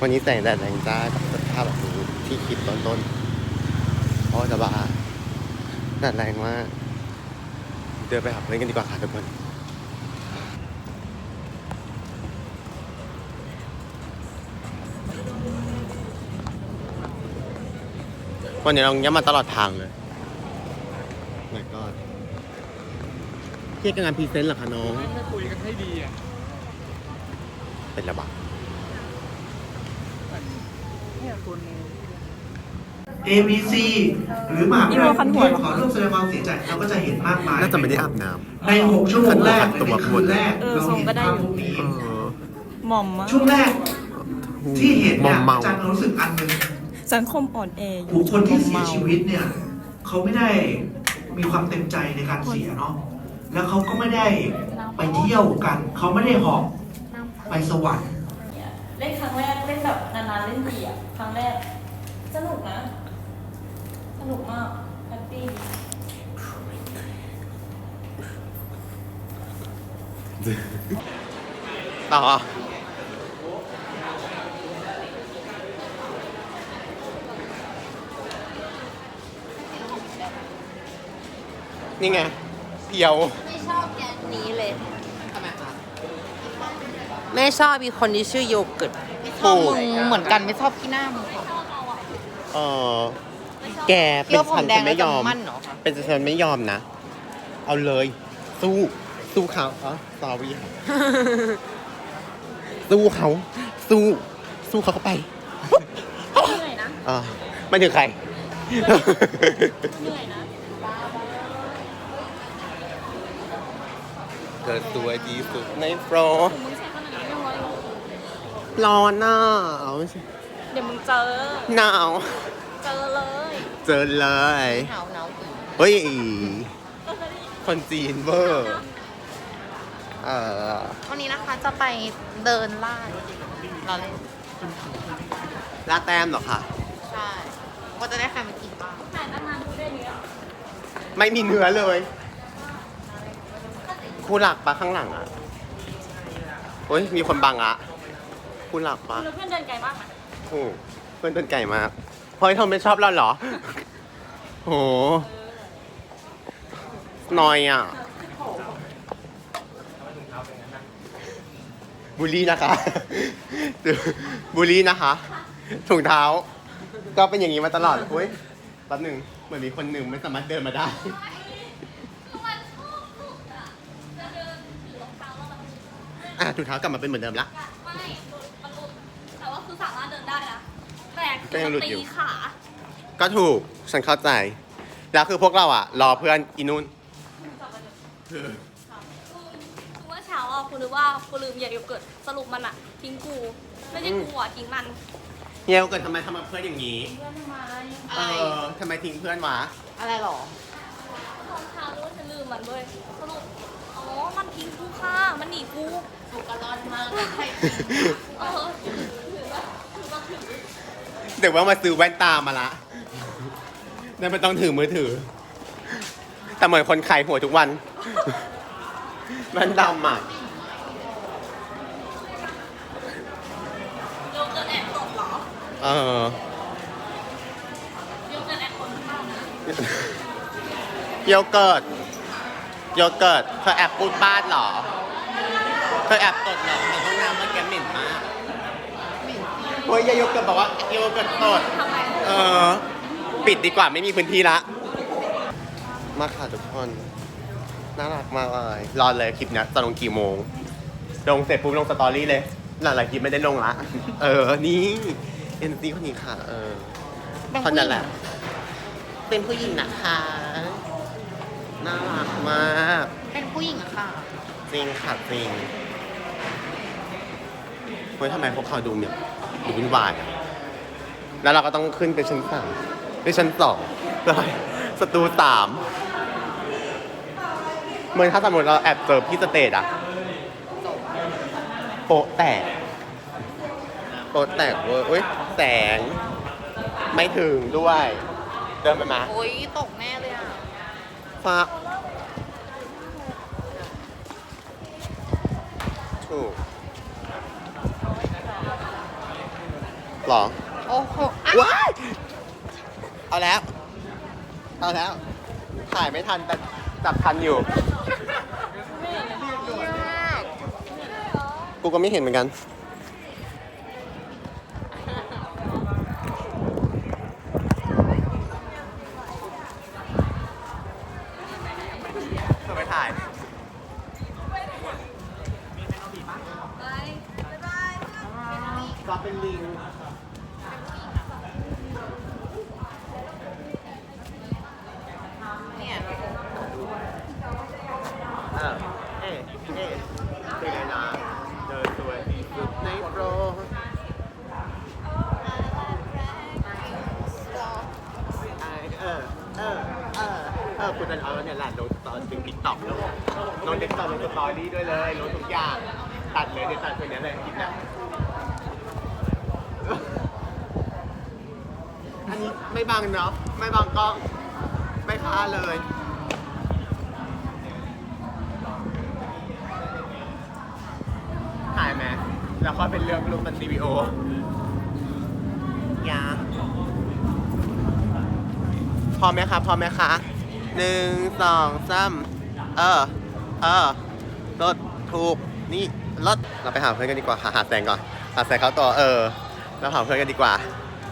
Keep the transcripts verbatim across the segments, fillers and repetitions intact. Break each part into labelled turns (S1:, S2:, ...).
S1: วันนี้แสงแดดแรงจ้ากับสภาพแบบนี้ที่คิดตอนต้นเพราะจะบ้าแดดแรงมากเดินไปหาเพื่อนกันดีกว่าค่ะทุกคนวันนี้เราย้ำมาตลอดทางเลยแล้วก็เที่ยงงานพรีเซนต์เหรอคะน้อง
S2: ไม่คุยกันให้ดีอ่ะ
S1: เป็นระบาด
S3: เอ บี ซี หรือมหาวิทยาลัยกรุงเทพขอร่วมแสดงความเสียใจเราก็จะเห็นมากมาย
S1: น่าจะไม่ได้อาบน้
S3: ำในหกชั่วโมงแรกในคืนแรกเราเห็นภาพพวกนี้
S4: หม่อมมาก
S3: ช่วงแรกที่เห็นเนี่ยอาจารย์รู้สึกอันหนึ่ง
S4: สังคมอ่อนแออยู่
S3: บุคคลที่เสียชีวิตเนี่ยเขาไม่ได้มีความเต็มใจในการเสียเนาะแล้วเขาก็ไม่ได้ไปเที่ยวกันเขาไม่ได้หอบไปสวรรค์
S5: เล่นครั้งแรกเล่นแบบนานๆเล่นดีอ่ะครั้งแรกสนุกนะสนุกมากแฮปปี้
S1: ต่อนี่ไงเพียว
S6: ไม่ชอบแกนนี้เลยทำไมคะไม่ชอบมีคนที่ชื่อโยเกิร์ตไม่ชอบมึงเหมือนกันไม่ชอบที่หน้ามึง
S1: เออแกเป็นฉันฉันไม่ยอมเป็นฉันไม่ยอมนะเอาเลยสู้สู้เขาอ๋อ sorry สู้เขาสู้สู้เขาเข้าไป
S5: เหนื่อยนะ
S1: อ่าไม่ถึงใคร
S5: เหนื่อยนะ
S1: เกิดตัวดีสุดในโปร
S5: มึงใช้ขนาดนี้ไม่ร้อย
S1: ร้อนน่ะ
S5: เดี๋ยวมึงเจอ
S1: หนาว
S5: เจอเลย
S1: เจอเลย
S6: หนาวหนาว
S1: เฮ้ยคนจีนเวอร์เออ
S6: วันนี้นะคะจะไปเดินล่าเราเล่น
S1: ล่าแต้มเหรอคะ
S6: ใช่ว่าจะได้ใครมากินบ้าง
S5: ถ่ายตั้งนานดูได้เนี้ย
S1: ไม่มีเนื้อเลยคู่หลักปะข้างหลังอ่ะโอ้ยมีคนบังอ่ะคู่หลักปะ
S5: เพื่อนเดินไกลมากนะ
S1: โอ้เพื่อนเดินไกลมากเฮ้ยเธอไม่ชอบเราเหรอโหนอยอ่ะบุรีนะคะบุรีนะคะถุงเท้าก็เป็นอย่างนี้มาตลอดเฮ้ยแป๊บหนึ่งเหมือนมีคนหนึ่งไม่สามารถเดินมาได้อ่ะถุงเท้ากลับมาเป็นเหมือนเดิมละ
S5: ไม่มันหลุดแต่ว่าคือสามารถเดินได้นะแต่
S1: ก็ยังหลุดอยู่
S5: ตีขา
S1: ก็ถูกฉันเข้าใจแล้วคือพวกเราอ่ะรอเพื่อนอีนุ่น
S5: คือเมื่อเช้าอ่ะคุณนึกว่ากูลืมยาโยเกิร์ตสรุปมันอ่ะทิ้งกูไม่ใช่กูอ่ะทิ้งมัน
S1: เฮียเกิดทำไมทำมาเพื่อนอย่างนี้
S5: เพื่อนทำไม
S1: เออทำไมทิ้งเพื่อนวะ
S6: อะไรหรอ
S5: ตอนเช้ารู้ว่าฉันลืมมันเลยสรุปอ๋อมันทิ้งกูค่ะมันหนีกู
S6: ถูกกระลอนมากใช่
S5: เออถือว่าถือว่าถือ
S1: เดี๋ยวว่ามาซื้อแว่นตามาละนั่นไม่ต้องถือมือถือแต่เหมือนคนขายหัวทุกวันแว่นดำอ่ะ
S5: โยเกิร์ตแอบตดเหรอ
S1: เออ
S5: โยเกิร์ตแอบตดหรือเปล่านะ
S1: โยเกิร์ตโยเกิร์ตเธอแอบพูดบ้านเหรอเธอแอบตดเหรอในห้องน้ำมันแกเหม็นมากเฮ้ยโยเกิร์ตบอกว่าโยเกิร์ตตดเออปิดดีกว่าไม่มีพื้นที่ละมาค่ะทุกคนน่ารักมากเลยรอเลยคลิปนี้จะลงกี่โมงลงเสร็จปุ๊บลงสตอรี่เลยหลายๆคลิปไม่ได้ลงละเออนี่เอ็นซีคนนี้ค่ะเออคนนั้นแหละเป็นผู้หญิงนะคะน่ารักมาก
S6: เป็นผู้หญิงอะค่ะ
S1: จริงค่ะจริงเฮ้ยทำไมพวกเขาดูเนี่ยดูวุ่นวายแล้วเราก็ต้องขึ้นไปชั้นสามไปชั้นสองเลยสตูสามเมื่อถ้าสมมติเราแอบเจอพี่สเตจอะโปะแตกโปะแตกเว้ยอุ้ยแสงไม่ถึงด้วยเดินไปมา
S6: โอ้ยตกแน่เลยอะ
S1: ฟ้าถูกหรอ
S6: โอ้โห
S1: ว้ายเอาแล้ว เอาแล้ว ถ่ายไม่ทันแต่จับทันอยู่ กูก็ไม่เห็นเหมือนกัน เธอไปถ่าย ก็เป็นลิง
S6: เนี่ย
S1: เออเอ๊ะเอ๊ะเป็นไงนะเดินสวยที่สุดในโปรเออ เออ เออ เออคุณจะเอาเนี่ยแหละลงตอนถึงติ๊กต็อกแล้วลงติ๊กต็อกลงสตอรี่ด้วยเลยลงทุกอย่าง ตัดเลยเดี๋ยวตัดคนนี้เลยคลิปเนี้ยอันนี้ไม่บังเนาะ ไม่บังกล้อง ไม่ค้าเลย ถ่ายไหมแล้วก็เป็นเรื่องรูปเป็นวิดีโอยาพร้อมไหมคะพร้อมไหมคะหนึ่งสองสามเออ เออรถถูก นี่รถเราไปหาเพื่อนกันดีกว่า หาหาแสงก่อน หาแสงเขาต่อ เออ เราหาเพื่อนกันดีกว่า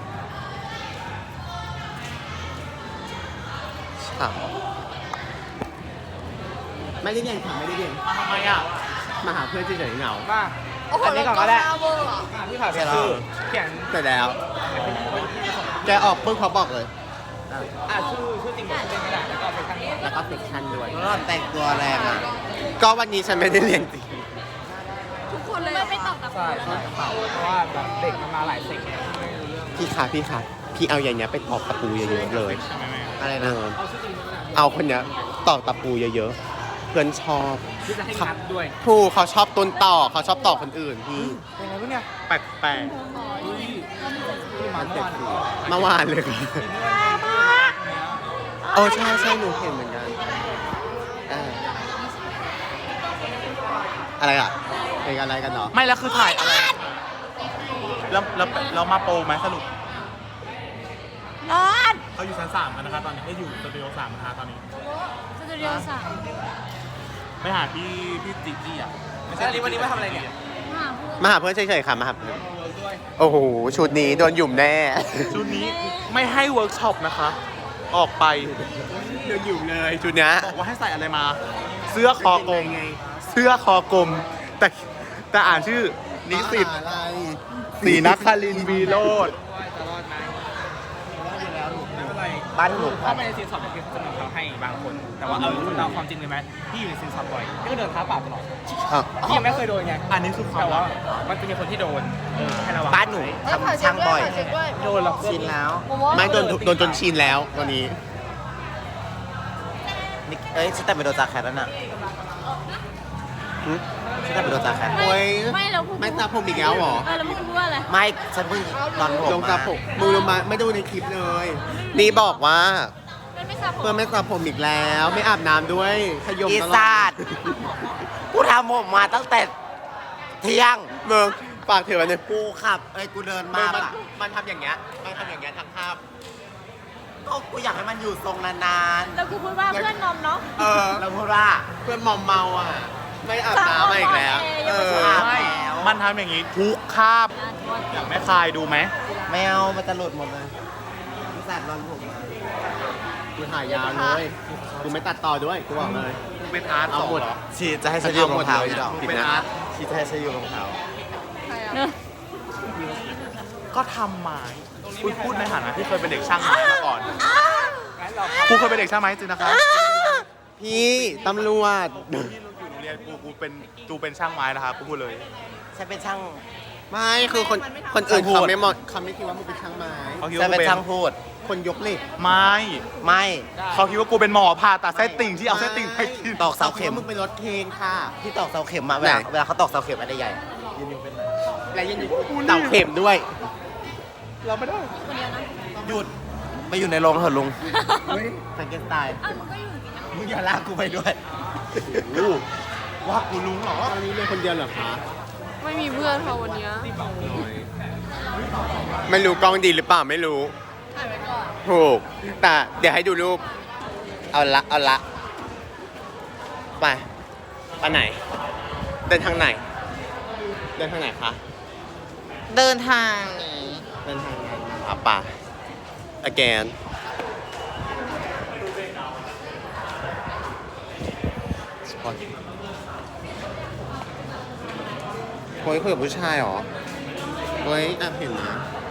S1: ฉ่ำไม่ได้เรียนค่ะไม่ได้เรียน
S2: มาทำไมอ่ะ
S1: มาหาเพื่อนเฉยๆเหงา
S2: มา
S5: โอ้โห
S2: อันนี้ก่อนก็ได้
S5: แล้วเวอร์อะ
S2: พี่ข่าวเขียนชื่อเขียน
S1: เสร็จแล้ว แกออกปุ๊บเขาบอกเลย
S2: อ่ะชื่อชื่อจริงกับชื่อเล่นก็ได้แล้วก็เป็นข้างนี้
S1: แล้วก็เซ็กชันด้วย
S6: แล้วแต่งตัวแรงอ่ะ
S1: ก็วันนี้ฉันไม่ได้เรียนจริง
S5: ทุกคนเลยไม่ไม่ตอบกับ
S2: ใช่ใช่เพราะว่าแบบเด็กมันมาหลายเซ็กเนี่ยไม่รู้เรื่อง
S1: พี่คะพี่คะพี่เอาอย่างเนี้ยไปตอกตะปูเยอะๆเลย
S2: ใช่ไหมแม่
S6: อะไร
S1: เอ
S6: นะ
S1: อเอาคนเนี้ยตอกตะปูเยอะๆ เพื่อนชอบ
S2: ที่จะให้งัดด้วย
S1: ถูกเขาชอบต้นต่อเขาชอบต่อคนอื่นพี่
S2: เป็นไงวะเนี่ย
S1: แปลก
S2: ที่มาเมื่อวาน
S1: ๆเมื่อวานเลยค่ะโอ้ใช่ใช่หนูเห็นเหมือนกันเอออะไรอ่ะเป็นอะไรกันเนาะ
S2: ไม่แล้วคือถ่ายอะไรแล้วแล้วเรามาโปรไหมสรุป
S5: นอน
S2: เขาอยู่ชั้นสามกันนะคะตอนนี้เขาอยู่สตูดิโอสามนะคะตอนนี้
S5: สตูดิโอสาม
S2: ไปหาพี่พี่จิจี้อ่ะไม่ใช่วันนี้มาทำอะไรเนี่ย
S1: มาหาเพื่อนเฉยๆค่ะมาหาเพื่อนโอ้โหชุดนี้โดนหยุ่มแน่
S2: ชุดนี้ไม่ให้เวิร์กช็อปนะคะ ออกไป
S1: โดนหยุ่มเลยชุดเนี้ย
S2: บอกว่าให้ใส่อะไรมา เสื้อคอกลม
S1: ไง
S2: เสื้อคอกลม แต่แต่อ่านชื่อนิสิต
S1: อะไร
S2: ศรีนครินทร์วีโรจน์
S6: บ้านหนู
S2: ถ้าไม่ในซีนสอบเนี่ยพี่จะมีเขาให้บางคน แต่ว่าเอาเราความจริงเลยไหมพี่อยู่ในซีนสอบบ่อยพี่ก็เดินเท้าเปล่าตลอด
S1: อ่ะ
S2: พี่ยังไม่เคยโดนไงอันนี้คือความว่ามันจะมีคนที่โดนเออให้ระวัง
S6: บ้านหนูทำช่างบ่อย
S2: โดนแล้ว
S6: ชินแล้ว
S1: ไม่โดนโดนจนชินแล้ววันนี้
S6: นี่เอ้ยฉันแต่งเป็นโดนจากแคทแล้วน่ะ
S1: หึ
S6: ฉันแต่งเป็นโดนจากแคท
S1: โอ้ย
S5: ไม่แล้วพูด
S1: ไม่ตาผมอีกแล้วเหรอ
S5: เออแล้วพูดว่าอะไร
S6: ไม่ฉันเพิ่งนอนผม
S1: ลงตาผมมือลงมาไม่ดูในคลิปเลย นี่บอกว่า
S5: เป็นไม่ทราบผม
S1: เพื่อนไม่ตาผมอีกแล้ว ไม่อาบน้ำด้วยขยม
S6: อี
S1: ตลอ
S6: สา
S1: ด
S6: ดกูทำผมมาตั้งแต่เที่ยง
S1: เมืองฝากถือไว้เนี่ย
S6: กูขับ เอ้ยกูเดิน
S1: มั
S6: มาน
S1: มัน
S6: อะ
S1: มันทำอย่างเงี้ยมันทำอย่างเงี้ยทั้งภาพ
S6: ก็กูอยากให้มันอยู่ทรงนาน
S5: แล้วกูพูดว่าเพื่อนนอมเนาะ
S1: เออ
S6: ๆแล้วพูดว่า
S1: เพื่อนมอมเมาอ่ะ ไม่อาบน้ำมาอีกแล้ว เออ
S6: อาบ
S2: ไม่
S6: แล้ว
S2: มันทำอย่างนี้ทุกคาบอยากแม่คายดูไหม
S6: ไม่เอามันจะหลุดหมดเลยอีสาดนอนผมมา
S1: กูถ่ายยาวเลยกูไม่ตัดต่อด้วยกูบอกเลย
S2: เป็นอาร์ต
S1: เอาหมด
S6: ชีจะให้ฉันยืมรองเท้า
S1: เอาหมดเลย
S6: อีดอก
S1: ปิด
S2: เป็น
S1: นะ
S2: อาร์ต
S6: ชีจะให้ฉันยืมรองเท้า
S2: ก็ทำไม้พูดพูดในฐานะที่เคยเป็นเด็กช่างไม้มาก่อนกูเคยเป็นเด็กช่างไม้จริงนะคะ
S1: พี่ตำรวจ
S2: ที่อยู่โรงเรียนกูกูเป็นกูเป็นช่างไม้นะคะกูพูดเลย
S6: ฉันเป็นช่าง
S1: ไม่คือคนคนอื่น
S6: ช่างพูด
S1: เขาไม่เหมาะเขาไม่คิดว่ามึงเป็นช่างไม้
S2: เขาคิด
S6: ฉั
S2: ว่าน กู
S6: เป็น
S2: เป็น
S6: ช่างพูด
S1: คนยกเหล็ก
S2: ไม่
S6: ไม่
S2: เขาคิดว่ากูเป็นหมอผ่าตัดไส้ติ่งที่เอาไส้ติ่งไปกิน
S6: ตอกเสาเข็ม
S1: มึงเป็นรถเคนค่ะ
S6: ที่ตอกเสาเข็มมาเวลา
S1: ไหน
S6: เวลาเขาตอกเสาเข็มอะไรใหญ่
S1: และยังอยู่เต่าเข็มด้วย
S2: เราไม่ได้
S6: หยุดไปอยู่ในโรงเถอะลุงแฟรงเกนสไตน์
S5: อ้าวมึงก็อยู่จริงนะ
S6: มึงอย่าลากกูไปด้วย
S2: ว่ากูลุงเหรอ
S1: ตอนนี้เรียนคนเดียวเหรอคะ
S5: ไม่มีเพื่อนค่ะวันเนี้ย
S1: น้อยไม่รู้กล้องดีหรือเปล่าไม่รู้
S5: ถ่ายไว้ก่อน
S1: ถูก แต่เดี๋ยวให้ดูรูป เอาละ เอาละ ไป ไปไหน เดินทางไหน เดินทางไหนคะ
S6: เดินทางนี้
S1: เดินทางไหนอ่ะป่ะ again โอ้ยคุยกับผู้ชายเหรอเฮ้ยแอบเห็นนะ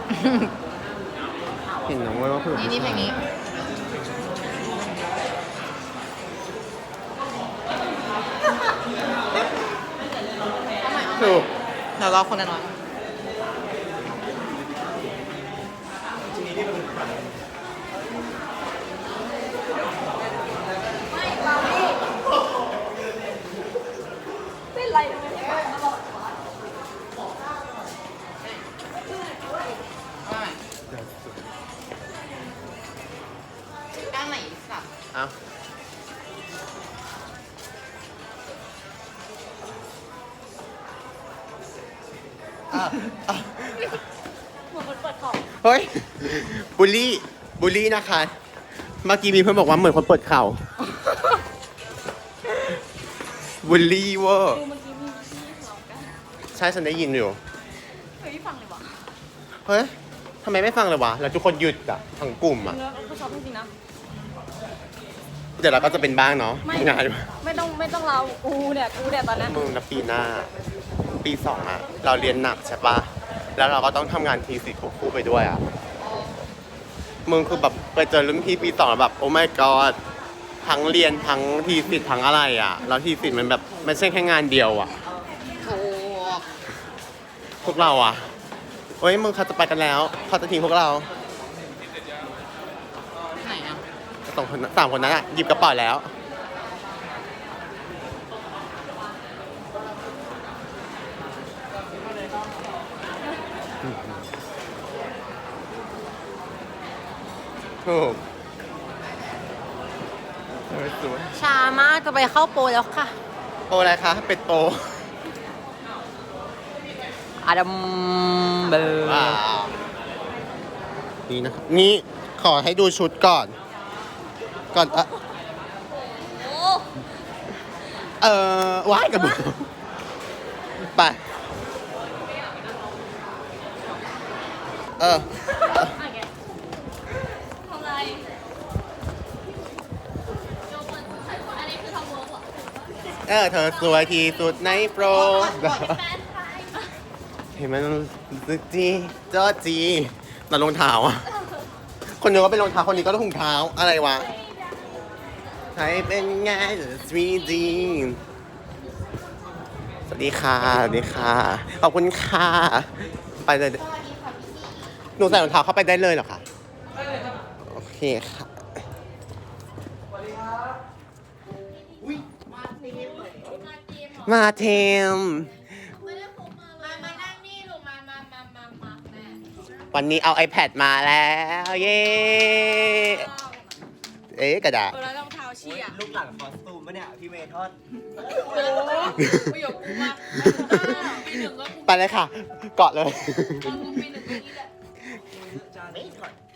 S1: เห็นนะเว้ยว่าคุยกับ
S6: นี่
S1: ผู้
S6: นี่เพล
S1: ชาย
S6: งนี้
S1: ถูก
S6: เดี๋ยวรอคนละน้อย
S5: เป็นไรทำไมไม่ฟังตลอดวะ
S6: ด้านไหนสับ
S1: เอาอ่ะอ่ะ
S5: เหมือนคนเปิดของ
S1: เฮ้ย บูลลี่ บูลลี่นะคะ เมื่อกี้มีเพื่อนบอกว่าเหมือนคนเปิดเข่า บูลลี่เวอร์
S5: ดูเมื่อกี้มีพี่ทะเลาะกัน
S1: ใช่ฉันได้ยินอยู่
S5: เฮ้ยฟังเลยวะ
S1: เฮ้ยทำไมไม่ฟังเลยวะ แล้วทุกคนหยุดอ่ะ ทั้งกลุ่มอ่ะ
S5: เนื้อก็ชอบจริงๆนะ
S1: เดี๋ยวเราก็จะเป็นบ้างเนาะ
S5: ไม่
S1: งาน
S5: ไม่ต้องไม่ต้องเรากูเนี่ยกูเนี่ยตอนเนี้ย
S1: มึงนะปีหน้า ปีสองอะเราเรียนหนักใช่ปะแล้วเราก็ต้องทำงานทีสิทธิ์ควบคู่ไปด้วยอะมึงคือแบบไปเจอรุ่นพี่ปีสองแล้วแบบโอ้ my god ทั้งเรียนทั้งทีสิทธิ์ทั้งอะไรอะแล้วทีสิทธิ์มันแบบไม่ใช่แค่งานเดียวอะ
S6: ถูก
S1: พวกเราอะเฮ้ยมึงเขาจะไปกันแล้วเขาจะทิ้งพวกเรา
S6: ไหนอ่ะ
S1: สองคนสามคนนั้นอะหยิบกระเป๋าแล้วถูกเออสวย
S6: ช้ามากจะไปเข้าโปรแล้วค่ะ
S1: โปรอะไรคะ เป็ดโปร
S6: อาดัมเบอร์
S1: ว้าวนี่นะครับนี่ขอให้ดูชุดก่อน ก่อน เออ
S5: โอ้
S1: เออว้ายกับมือไป เออ
S5: อะไรทำไรโยกมันอันนี้คือทำเวิร์กเหรอ
S1: เออ เธอสวยที่สุดในโปร
S5: แฟนไทย
S1: เห็นมันซึกจีเจ้าจีแต่รองเท้าอ่ะ คนนึงก็เป็นรองเท้า คนนี้ก็ถุงเท้า อะไรวะใครเป็นไงสวีดีสวัสดีค่ะ สวัสดีค่ะ ขอบคุณค่ะ ไปเลย หนูใส่รองเท้าเข้าไปได้เลยเหรอคะโอเคค่ะ มาเทม
S5: ไม่ได้พกมาเลยมานั่งนี่ลูกมามามามามาแม่
S1: วันนี้เอา iPad มาแล้ว เย้ เอ๊ะกระดาษ
S5: เออแล้วรองเท้าเชียร์
S7: ลูกหลังคอสตูมปะเนี่ย พี่เมทอด
S5: ประโยคกูมาปีหนึ่งก็กู
S1: ไปเลยค่ะ เกาะเลย
S5: ตอนกูปีหนึ่งก็นี่แหละ
S7: จานไม่ถอด